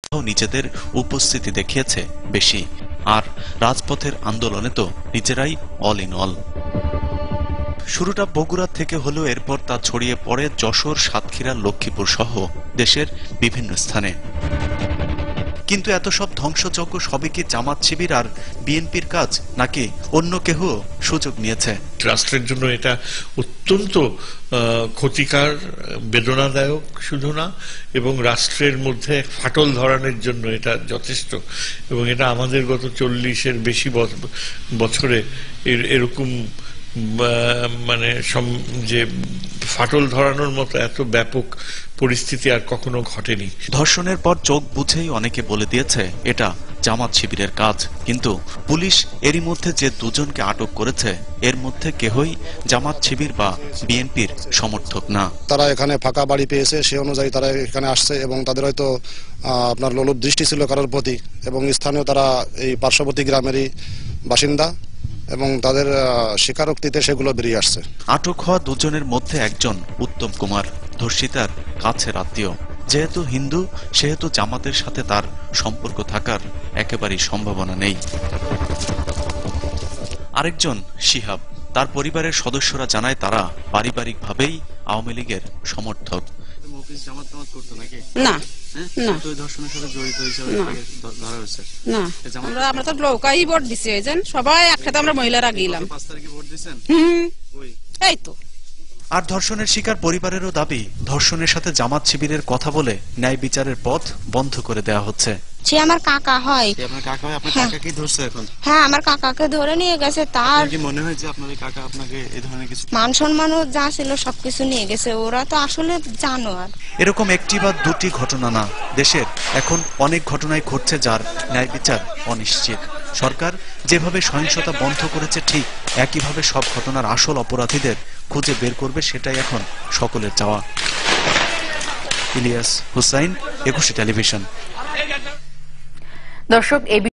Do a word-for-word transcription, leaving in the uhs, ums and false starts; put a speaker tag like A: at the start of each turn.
A: নিজেদের উপস্থিতি দেখিয়েছে বেশি, আর রাজপথের আন্দোলনে তো নিজেরাই অল ইন অল। শুরুটা বগুড়া থেকে হলেও এরপর তা ছড়িয়ে পড়ে যশোর, সাতক্ষীরা, লক্ষ্মীপুর সহ দেশের বিভিন্ন স্থানে। কিন্তু এত সব ধ্বংসযজ্ঞ সবই কি জামাত শিবির আর বিএনপির কাজ, নাকি অন্য কেহ সুযোগ নিয়েছে?
B: রাষ্ট্রের জন্য এটা অত্যন্ত ক্ষতিকর, বেদনাদায়ক শুধু না, এবং রাষ্ট্রের মধ্যে ফাটল ধরানোর জন্য এটা যথেষ্ট। এবং এটা আমাদের গত চল্লিশের বেশি বছরে এরকম মানে যে ফাটল ধরানোর মতো এত ব্যাপক পরিস্থিতি আর কখনো ঘটেনি।
A: ধর্ষণের পর চোখ বুঝেই অনেকে বলে দিয়েছে এটা জামাত শিবিরের কাজ, কিন্তু পুলিশ এরই মধ্যে যে দুজনকে আটক করেছে এর মধ্যে কেহই জামাত শিবির বা বিএনপির সমর্থক না।
C: তারা এখানে ফাঁকা বাড়ি পেয়েছে, সে অনুযায়ী তারা এখানে আসছে এবং তাদের হয়তো আপনার লোলুপ দৃষ্টি ছিল কারোর প্রতি, এবং স্থানীয় তারা এই পার্শ্ববর্তী গ্রামেরই বাসিন্দা এবং তাদের স্বীকারোক্তিতে সেগুলো বেরিয়ে আসছে।
A: আটক হওয়া দুজনের মধ্যে একজন উত্তম কুমার, ধর্ষিতার কাছের আত্মীয়। যেহেতু হিন্দু, সেহেতু জামাতের সাথে তার সম্পর্ক থাকার একেবারেই সম্ভাবনা নেই। আরেকজন শিহাব, তার পরিবারের সদস্যরা জানায় তারা পারিবারিকভাবেই আওয়ামী লীগের সমর্থক।
D: না আমরা তো নৌকাই ভোট দিছি, সবাই একসাথে আমরা মহিলারা গেলাম। এই তো।
A: আর ধর্ষণের শিকার পরিবারেরও দাবি, ধর্ষণের সাথে জামাত শিবিরের কথা বলে ন্যায় বিচারের পথ বন্ধ করে দেওয়া হচ্ছে।
E: সে আমার কাকা হয়।
A: আপনার কাকা হয়? আপনার কাকা কি ধরছে এখন?
E: হ্যাঁ, আমার কাকাকে ধরে নিয়ে গেছে। তার
A: কি মনে হয় যে আপনার কাকা আপনাকে এই ধরনের কিছু
E: মান সম্মানও যা ছিল সবকিছু নিয়ে গেছে? ওরা তো আসলে জানোয়ার।
A: এরকম একটি বা দুটি ঘটনা না, দেশের এখন অনেক ঘটনাই ঘটছে যার ন্যায় বিচার অনিশ্চিত। সরকার যেভাবে সহিংসতা বন্ধ করেছে, ঠিক একইভাবে সব ঘটনার আসল অপরাধীদের খুঁজে বের করবে, সেটাই এখন সকলের চাওয়া। ইলিয়াস হুসাইন, একুশে টেলিভিশন।
F: দর্শক, এই